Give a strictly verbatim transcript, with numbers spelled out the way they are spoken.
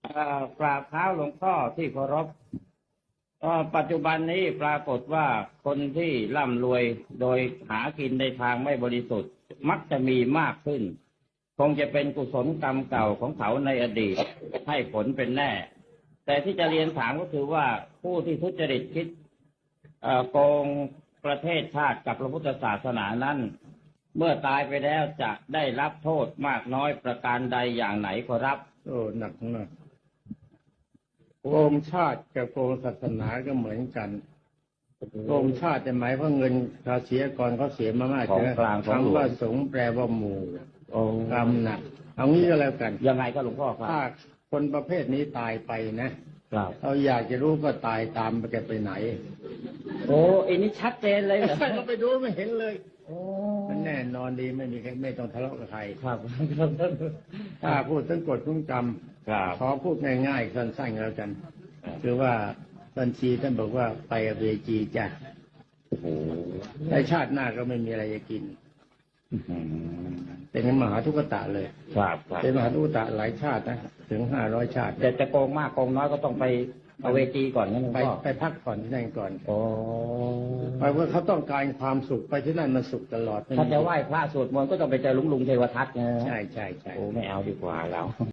เอ่อกราบเท้าหลวงพ่อที่เคารพเอ่อปัจจุบันนี้ปรากฏว่าคนที่ร่ำรวยโดยหากินในทางไม่บริสุทธิ์มักจะมีมากขึ้นคงจะเป็นกุศลกรรมเก่าของเขาในอดีตให้ผลเป็นแน่ แต่ที่จะเรียนถามก็คือว่าผู้ที่ทุจริตคิดเอ่อโกงประเทศชาติกับพระพุทธศาสนานั้นเมื่อตายไปแล้วจะได้รับโทษมากน้อยประการใดอย่างไหนขอรับโอ้หนักมากโกงชาติกับโกงศาสนาก็เหมือนกันโกงชาติจะหมายว่าเงินภาษีก่อนเขาเสียมามากของกลางของหลวงคำว่าสงฆ์แปลว่าหมู่กรรมหนักเอางี้ก็แล้วกันยังไงก็หลวงพ่อครับถ้าคนประเภทนี้ตายไปนะเราอยากจะรู้ก็ตายตามไปแกไปไหนโอ้อันนี้ชัดเจนเลยเหรอเราไปดูไม่เห็นเลยมันแน่นอนดีไม่มีใครไม่ต้องทะเลาะกับใครครับถ้าพูดถึงกฎของกรรมขอพูดง่ายๆสั้นๆแล้วกันคือว่าบัญชีท่านบอกว่าไปอเวจีจ้ะในชาติหน้าก็ไม่มีอะไรจะกินเป็นมหาทุกขตะเลยเป็นมหาทุกขตะหลายชาตินะถึงห้าร้อยชาติแต่จะโกงมากโกงน้อยก็ต้องไปอเวจีก่อนนั่นไปไปพักผ่อนที่นั่นก่อนโอ้เพราะว่าเขาต้องการความสุขไปที่นั่นมันสุขตลอดถ้าจะไหว้พระสวดมนต์ก็ต้องไปเจอลุงลุงเทวทัตนะใช่ใช่ใช่โอ้ไม่เอาดีกว่าเรา